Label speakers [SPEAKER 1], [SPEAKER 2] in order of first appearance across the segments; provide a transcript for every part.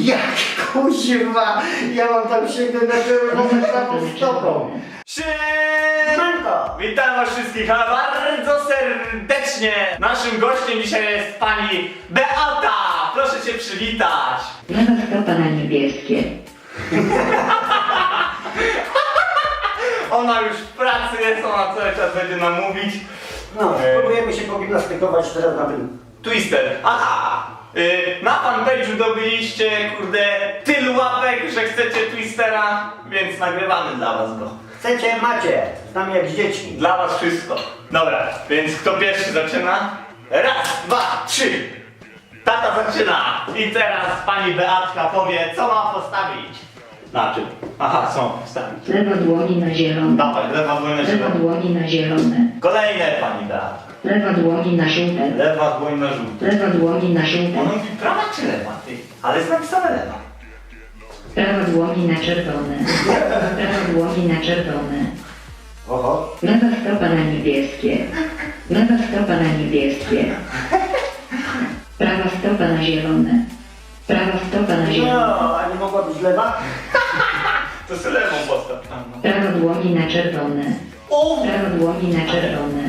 [SPEAKER 1] Jak kuźwa! Ja mam tam sięgnąć na czerwoną prawą stopą.
[SPEAKER 2] Siemanko! Witam was wszystkich bardzo serdecznie! Naszym gościem dzisiaj jest pani Beata! Proszę się przywitać!
[SPEAKER 3] Lewa stopa na niebieskie.
[SPEAKER 2] Ona już w pracy jest, ona cały czas będzie nam mówić.
[SPEAKER 1] No, próbujemy się pogimnastykować teraz na tym.
[SPEAKER 2] Twister. Aha! Na fanpage'u dobyliście, kurde, tylu łapek, że chcecie Twistera, więc nagrywamy dla was go.
[SPEAKER 1] Chcecie, macie. Z nami jak z dziećmi.
[SPEAKER 2] Dla was wszystko. Dobra, więc kto pierwszy zaczyna? Raz, dwa, trzy. Tata zaczyna. I teraz pani Beatka powie, co ma postawić. Na czym? Aha, co ma postawić?
[SPEAKER 3] Lewa dłoni na zielone.
[SPEAKER 2] Dawaj, lewa dłoń na
[SPEAKER 3] Lewa
[SPEAKER 2] zielone.
[SPEAKER 3] dłoni na zielone.
[SPEAKER 2] Kolejne pani Beatka.
[SPEAKER 3] Lewa dłoni na żółte.
[SPEAKER 2] Lewa dłoń na żółte.
[SPEAKER 3] Lewa dłoni na żółte.
[SPEAKER 2] Ona mówi prawa czy lewa, ty? Ale jest napisane lewa.
[SPEAKER 3] Prawa dłoni na czerwone. Prawa dłoni na czerwone.
[SPEAKER 1] Oho.
[SPEAKER 3] Lewa stopa na niebieskie. Lewa stopa na niebieskie. Prawa stopa na zielone. Prawa stopa na zielone.
[SPEAKER 1] No, a nie mogła być lewa?
[SPEAKER 2] To sobie lewą postaw tam. No.
[SPEAKER 3] Prawa dłoni na czerwone.
[SPEAKER 2] O!
[SPEAKER 3] Prawa dłoni na czerwone.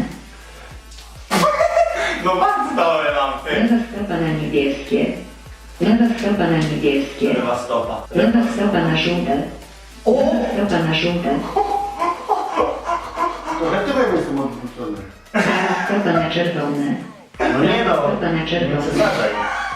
[SPEAKER 2] No bardzo dobre mam, ty.
[SPEAKER 3] Lewa stopa na niebieskie. Lewa stopa na niebieskie.
[SPEAKER 2] Lewa stopa.
[SPEAKER 3] Lewa stopa na żółte.
[SPEAKER 2] O!
[SPEAKER 3] Lewa stopa na żółte.
[SPEAKER 1] Trochę tyłem jestem odwrócony.
[SPEAKER 3] Prawa stopa na czerwone.
[SPEAKER 1] No nie no.
[SPEAKER 3] Stopa na
[SPEAKER 1] Nie
[SPEAKER 3] czerwone.
[SPEAKER 1] przesadzaj.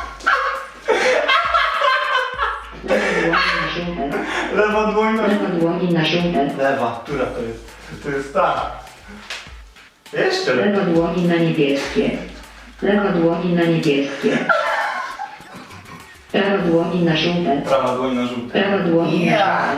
[SPEAKER 3] Lewa dłoni na żółte.
[SPEAKER 2] Lewa dłoń na
[SPEAKER 3] Lewa dłoni na żółte.
[SPEAKER 2] lewa, która to jest? To jest ta. Jeszcze lepiej.
[SPEAKER 3] Lewa dłoni na niebieskie. Lewa dłoni na niebieskie. Prawa dłoni na żółte.
[SPEAKER 2] Prawa dłoń na żółte.
[SPEAKER 3] Prawa dłoni na
[SPEAKER 1] Ja.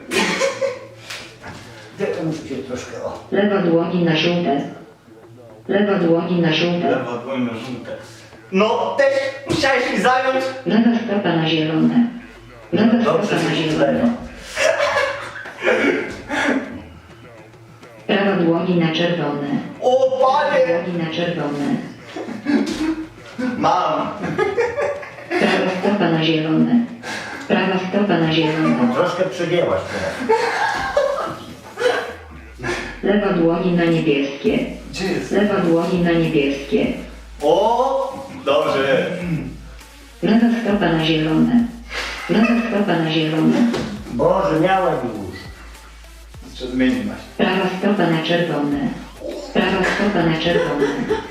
[SPEAKER 3] żółte.
[SPEAKER 1] Muszę się troszkę o.
[SPEAKER 3] Lewa dłoni na żółte. Lewa dłoni na żółte.
[SPEAKER 2] Lewa dłoń na żółte. No, też musiałeś mi zająć.
[SPEAKER 3] Lewa stopa na zielone. Lewa
[SPEAKER 1] Dobrze,
[SPEAKER 3] stopa
[SPEAKER 1] że
[SPEAKER 3] na
[SPEAKER 1] się
[SPEAKER 3] zielone.
[SPEAKER 1] lewa.
[SPEAKER 3] Prawa dłoni na czerwone.
[SPEAKER 2] O,
[SPEAKER 3] Prawa
[SPEAKER 2] panie!
[SPEAKER 3] dłoni na czerwone.
[SPEAKER 2] Mam.
[SPEAKER 3] Prawa stopa na zielone. Prawa stopa na zielone.
[SPEAKER 1] Troszkę przegięłaś teraz.
[SPEAKER 3] Lewa dłoni na niebieskie.
[SPEAKER 2] Gdzie jest?
[SPEAKER 3] Lewa dłoni na niebieskie.
[SPEAKER 2] O, dobrze.
[SPEAKER 3] Lewa stopa na zielone. Lewa stopa na zielone.
[SPEAKER 1] Boże, miałem już.
[SPEAKER 2] Jeszcze zmieni maś.
[SPEAKER 3] Prawa stopa na czerwone. Prawa stopa na czerwone.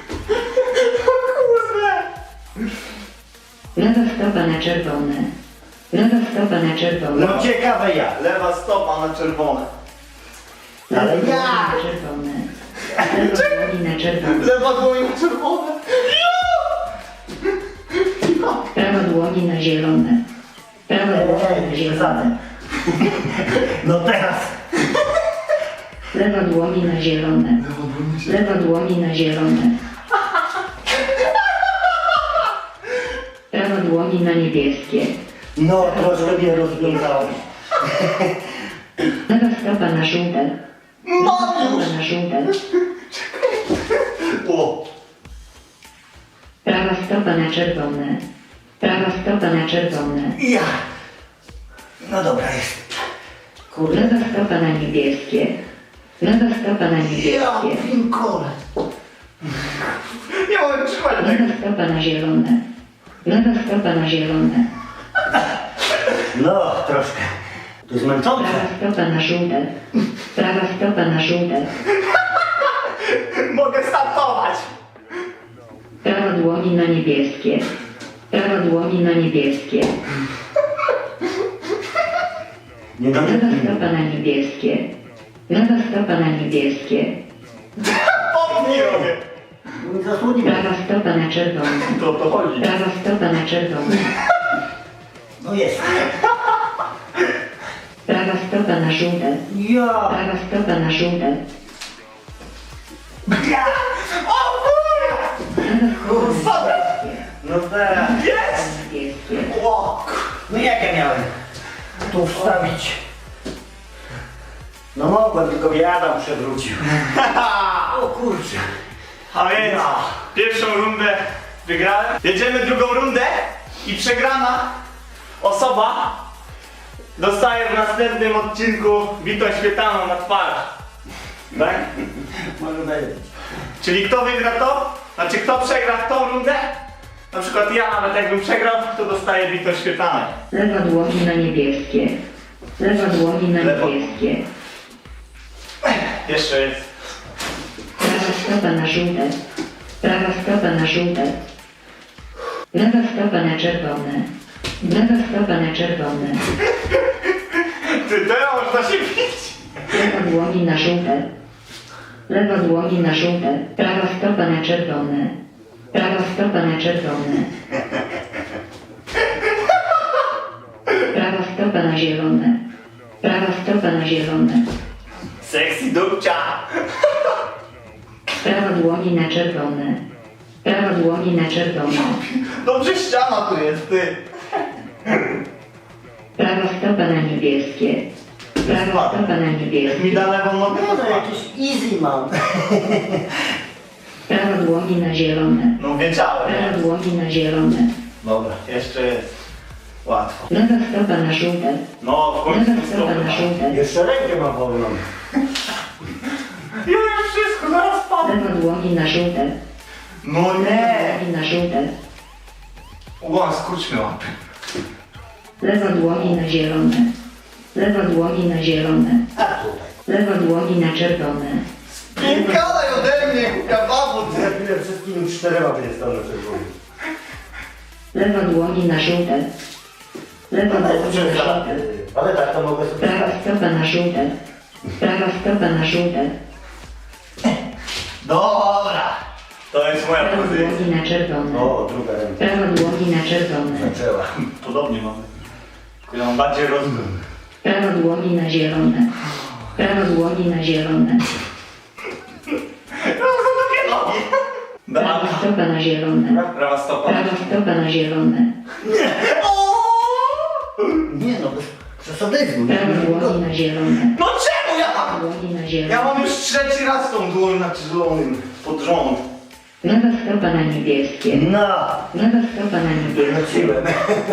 [SPEAKER 2] Kurde.
[SPEAKER 3] Lewa stopa na czerwone. Lewa stopa na czerwone.
[SPEAKER 1] No ciekawe jak.
[SPEAKER 2] Lewa stopa na czerwone.
[SPEAKER 3] Lewa
[SPEAKER 1] Ale
[SPEAKER 3] dłoni
[SPEAKER 1] ja.
[SPEAKER 3] na czerwone. Lewa dłoni na czerwone.
[SPEAKER 2] Lewa dłoń na czerwone.
[SPEAKER 3] Prawa dłoni na zielone. Prawa dłoni na
[SPEAKER 1] Przesadzę.
[SPEAKER 3] zielone.
[SPEAKER 1] No teraz.
[SPEAKER 3] Lewa dłoni na zielone. Lewa dłoni na zielone. Prawa dłoni na niebieskie.
[SPEAKER 1] No, troszkę mnie rozwiązałeś.
[SPEAKER 3] Lewa stopa na żółte. Lewa stopa na żółte.
[SPEAKER 2] O.
[SPEAKER 3] Prawa stopa na czerwone. Prawa stopa na czerwone.
[SPEAKER 1] Ja. No dobra jest. Kurde.
[SPEAKER 3] Lewa stopa na niebieskie. Lewa stopa na
[SPEAKER 1] Ja
[SPEAKER 3] niebieskie.
[SPEAKER 1] pinkole.
[SPEAKER 2] Nie mogę trzymać tego.
[SPEAKER 3] Lewa stopa na zielone. Lewa stopa na zielone.
[SPEAKER 1] No, troszkę. To jest męczące.
[SPEAKER 3] Prawa stopa na żółte. Prawa stopa na żółte.
[SPEAKER 2] Mogę startować.
[SPEAKER 3] Prawa dłoni na niebieskie. Prawa dłoni na niebieskie.
[SPEAKER 1] Nie
[SPEAKER 3] Lewa
[SPEAKER 1] damy.
[SPEAKER 3] stopa na niebieskie. Lewa stopa na niebieskie.
[SPEAKER 2] Pomnij robię.
[SPEAKER 1] Nie zasłonimy.
[SPEAKER 3] Prawa stopa na czerwone.
[SPEAKER 2] To o to chodzi.
[SPEAKER 3] Prawa stopa na czerwone.
[SPEAKER 1] No jest.
[SPEAKER 3] Prawa stopa na żółte.
[SPEAKER 1] Ja.
[SPEAKER 3] Prawa stopa na żółte.
[SPEAKER 2] O kurde!
[SPEAKER 1] Kurwa. No teraz.
[SPEAKER 2] Jest!
[SPEAKER 3] Niebieskie.
[SPEAKER 2] O,
[SPEAKER 1] No jak ja miałem tu wstawić? No mogłem, tylko mnie Adam przewrócił. O kurczę.
[SPEAKER 2] a więc pierwszą rundę wygrałem. Jedziemy drugą rundę i przegrana osoba dostaje w następnym odcinku bitą śmietaną na twarz. Tak?
[SPEAKER 1] Może daję.
[SPEAKER 2] Czyli kto wygra to? Znaczy kto przegra w tą rundę? Na przykład ja nawet jakbym przegrał, to dostaję bitą śmietaną.
[SPEAKER 3] Lewa dłoń na niebieskie. Lewa dłoń na
[SPEAKER 2] Lewo.
[SPEAKER 3] niebieskie.
[SPEAKER 2] Jeszcze jest.
[SPEAKER 3] Prawa stopa na żółte. Prawa stopa na żółte. Lewa stopa na czerwone. Lewa stopa na czerwone.
[SPEAKER 2] Ty, teraz można się bić.
[SPEAKER 3] Lewa dłoń na żółte. Lewa dłoń na żółte. Prawa stopa na czerwone. Prawa stopa na czerwone. Prawa stopa na zielone. Prawa stopa na zielone.
[SPEAKER 2] Sexy dupcia.
[SPEAKER 3] Prawa dłoń na czerwone. Prawa dłoń na czerwone.
[SPEAKER 2] Dobrze ściana tu jest, ty.
[SPEAKER 3] Prawa stopa na niebieskie. Prawa stopa na
[SPEAKER 2] Jak mi
[SPEAKER 3] niebieskie.
[SPEAKER 2] da lewą nogę,
[SPEAKER 1] No
[SPEAKER 2] to
[SPEAKER 1] to
[SPEAKER 2] jakieś...
[SPEAKER 1] jakiś easy mam.
[SPEAKER 3] Prawa dłoń na zielone.
[SPEAKER 2] No wiedziałem,
[SPEAKER 3] Prawa
[SPEAKER 2] nie?
[SPEAKER 3] dłoń na zielone.
[SPEAKER 2] Dobra, jeszcze jest. Łatwo.
[SPEAKER 3] Lewa stopa na żółte.
[SPEAKER 2] No, w końcu
[SPEAKER 3] Lewa stopa na żółte.
[SPEAKER 1] Jeszcze rękę mam wolną.
[SPEAKER 2] Ja już wszystko, zaraz padnę.
[SPEAKER 3] Lewa dłoń na żółte.
[SPEAKER 2] No
[SPEAKER 3] Lewa
[SPEAKER 2] nie.
[SPEAKER 3] dłoń na żółte.
[SPEAKER 2] Ła, skurcz mi łapy.
[SPEAKER 3] Lewa dłoń na zielone. Lewa dłoń na zielone.
[SPEAKER 1] A tutaj.
[SPEAKER 3] Lewa dłoń na czerwone.
[SPEAKER 2] Pinkadaj ode mnie, kababu,
[SPEAKER 1] Za chwilę wszystkimi 4 będzie stał na czerwonym.
[SPEAKER 3] Lewa dłoń na żółte. Lewa
[SPEAKER 1] Ale
[SPEAKER 3] dłoń na żółte.
[SPEAKER 1] Ale tak to mogę sobie
[SPEAKER 3] Prawa stopa na żółte. Prawa stopa na żółte.
[SPEAKER 2] Dobra. To jest moja
[SPEAKER 3] Prawa
[SPEAKER 2] pozycja.
[SPEAKER 3] dłoń na czerwone.
[SPEAKER 1] O, druga ręka.
[SPEAKER 3] Prawa dłoń na czerwone.
[SPEAKER 1] Zaczęła.
[SPEAKER 2] Podobnie mamy. Tylko ja mam bardziej rozwój.
[SPEAKER 3] Prawa dłoń na zielone. Prawa dłoń na zielone.
[SPEAKER 2] No, są takie nogi.
[SPEAKER 3] Prawa
[SPEAKER 2] Dobra.
[SPEAKER 3] stopa na zielone.
[SPEAKER 2] Prawa stopa.
[SPEAKER 3] Prawa stopa na zielone.
[SPEAKER 1] Nie no, bez przesadyzmu.
[SPEAKER 3] Prawa dłoń na zielone.
[SPEAKER 2] No czemu ja
[SPEAKER 3] Prawa
[SPEAKER 2] mam?
[SPEAKER 3] dłoń na
[SPEAKER 2] Ja
[SPEAKER 3] zielone.
[SPEAKER 2] mam już trzeci raz tą dłoń na zielonym pod rząd.
[SPEAKER 3] Lewa stopa na niebieskie.
[SPEAKER 1] No,
[SPEAKER 3] Lewa stopa na niebieskie.
[SPEAKER 1] wróciłem.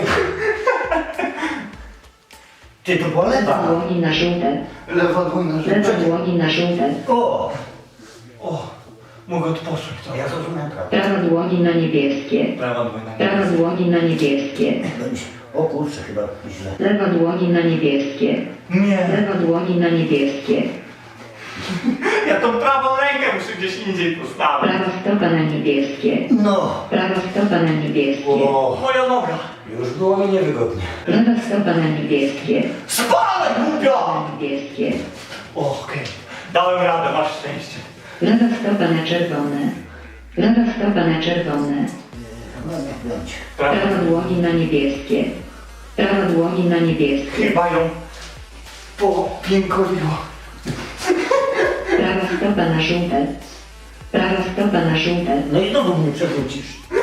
[SPEAKER 1] Ty, to była
[SPEAKER 3] Lewa
[SPEAKER 1] lewa.
[SPEAKER 3] dłoń na żółte.
[SPEAKER 2] Lewa dłoń na
[SPEAKER 3] Lewa dłoń na żółte.
[SPEAKER 1] O,
[SPEAKER 2] O, mogę odpocząć.
[SPEAKER 1] to ja zrozumiałem prawdę.
[SPEAKER 3] Prawa dłoń na niebieskie.
[SPEAKER 2] Prawa dłoń na
[SPEAKER 3] Prawa dłoń na niebieskie.
[SPEAKER 1] O kurczę, chyba źle.
[SPEAKER 3] Lewa dłoń na niebieskie.
[SPEAKER 2] Nie.
[SPEAKER 3] Lewa dłoń na niebieskie.
[SPEAKER 2] Ja tą prawą rękę muszę gdzieś indziej postawić.
[SPEAKER 3] Prawa stopa na niebieskie.
[SPEAKER 1] No.
[SPEAKER 3] Prawa stopa na niebieskie.
[SPEAKER 1] O,
[SPEAKER 2] Moja noga.
[SPEAKER 1] już było mi niewygodnie.
[SPEAKER 3] Lewa stopa na niebieskie.
[SPEAKER 2] Spalę, głupio!
[SPEAKER 3] Na niebieskie.
[SPEAKER 2] Okej. Dałem radę, masz szczęście.
[SPEAKER 3] Lewa stopa na czerwone. Lewa stopa na czerwone.
[SPEAKER 1] No niech będzie.
[SPEAKER 3] Prawa dłoń na niebieskie. Prawa dłoń na niebieskie.
[SPEAKER 2] Chyba ją popiękoliło.
[SPEAKER 3] Prawa stopa na żółte. Prawa stopa na żółte.
[SPEAKER 1] No i znowu mnie przewrócisz.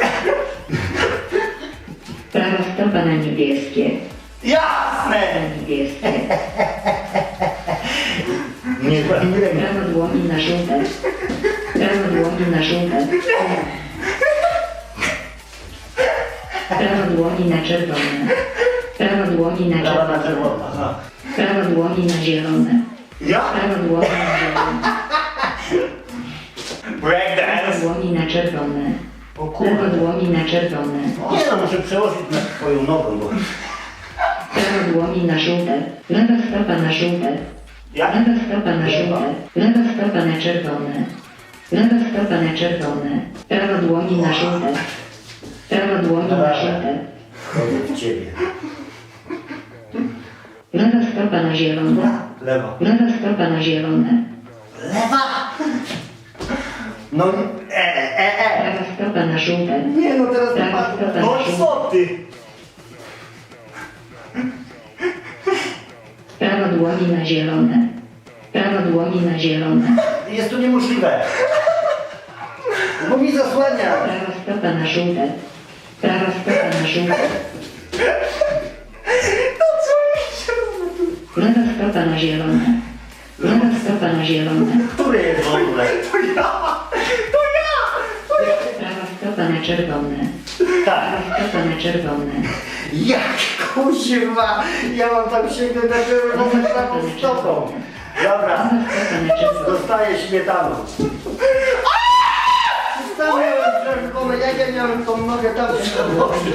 [SPEAKER 3] Prawa stopa na niebieskie.
[SPEAKER 2] Jasne!
[SPEAKER 3] Na niebieskie.
[SPEAKER 1] Nie, nie ręka.
[SPEAKER 3] Prawa dłoń na żółte. Prawa dłoń na żółte. Prawa dłoń na czerwone. Prawa dłoń na
[SPEAKER 1] Prawa na
[SPEAKER 3] czerwone.
[SPEAKER 1] czerwono.
[SPEAKER 2] Aha.
[SPEAKER 3] Prawa dłoń na zielone.
[SPEAKER 2] Ja?
[SPEAKER 3] Prawa dłoń na zielone. Prawa
[SPEAKER 2] Breakdance.
[SPEAKER 3] dłoń na czerwone.
[SPEAKER 1] O
[SPEAKER 3] Lewa
[SPEAKER 1] kurde.
[SPEAKER 3] dłoń na czerwone.
[SPEAKER 1] Nie no, muszę przełożyć na twoją nogą, bo...
[SPEAKER 3] Prawa dłoń na żółte. Lewa stopa na żółte.
[SPEAKER 2] Ja?
[SPEAKER 3] Lewa stopa na żółte. Lewa stopa na czerwone. Lewa stopa na czerwone. Prawa dłoń na żółte. Prawa dłoń na żółte.
[SPEAKER 1] Chodzę w ciebie.
[SPEAKER 3] Lewa stopa na zielone.
[SPEAKER 2] Lewa.
[SPEAKER 3] Lewa stopa na zielone.
[SPEAKER 1] Lewa! No,
[SPEAKER 3] Prawa stopa na żółte.
[SPEAKER 1] Nie no, teraz
[SPEAKER 3] Prawa
[SPEAKER 1] napadł.
[SPEAKER 3] stopa
[SPEAKER 2] No
[SPEAKER 3] na
[SPEAKER 2] i
[SPEAKER 3] żółte.
[SPEAKER 2] co ty?
[SPEAKER 3] Prawa dłoń na zielone. Prawa dłoń na zielone.
[SPEAKER 1] Jest to niemożliwe. Bo mi zasłania.
[SPEAKER 3] Prawa stopa na żółte. Prawa stopa na żółte. Lewa stopa na zielone. Lewa stopa na zielone.
[SPEAKER 1] Który jest w ogóle?
[SPEAKER 2] To ja! To ja!
[SPEAKER 3] Prawa stopa na czerwone.
[SPEAKER 1] Tak.
[SPEAKER 3] Prawa stopa na czerwone.
[SPEAKER 1] Jak kuźwa, ja mam tam sięgnąć na czerwoną prawą stopą. Dobra,
[SPEAKER 3] Prawa stopa na czerwoną.
[SPEAKER 1] dostaję śmietaną. Stanąłem czerwone, jak ja miałem tą nogę tam przechodzić.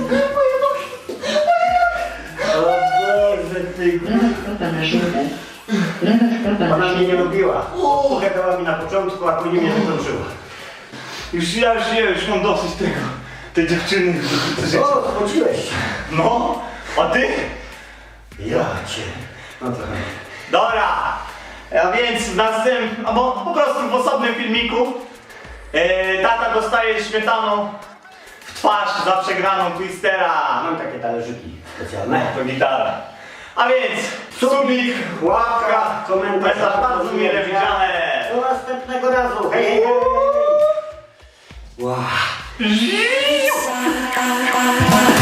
[SPEAKER 1] O Boże, ty...
[SPEAKER 3] Prawa stopa na żółte. Prawa stopa na
[SPEAKER 1] Ona mnie nie
[SPEAKER 3] żółte.
[SPEAKER 1] lubiła. Pogadała mi na początku, a później mnie wykończyła.
[SPEAKER 2] Już mam dosyć tego. Tej dziewczyny.
[SPEAKER 1] O, chodziłeś.
[SPEAKER 2] No, a ty?
[SPEAKER 1] Ja cię. No to...
[SPEAKER 2] Dobra, a więc w następnym, albo po prostu w osobnym filmiku tata dostaje śmietaną w twarz za przegraną Twistera.
[SPEAKER 1] Mam takie talerzyki specjalne.
[SPEAKER 2] To gitara. A więc subik, łapka,
[SPEAKER 1] komentarz.
[SPEAKER 2] to bardzo mile widziane.
[SPEAKER 1] Do następnego razu. Hej, hej, hej. Wow.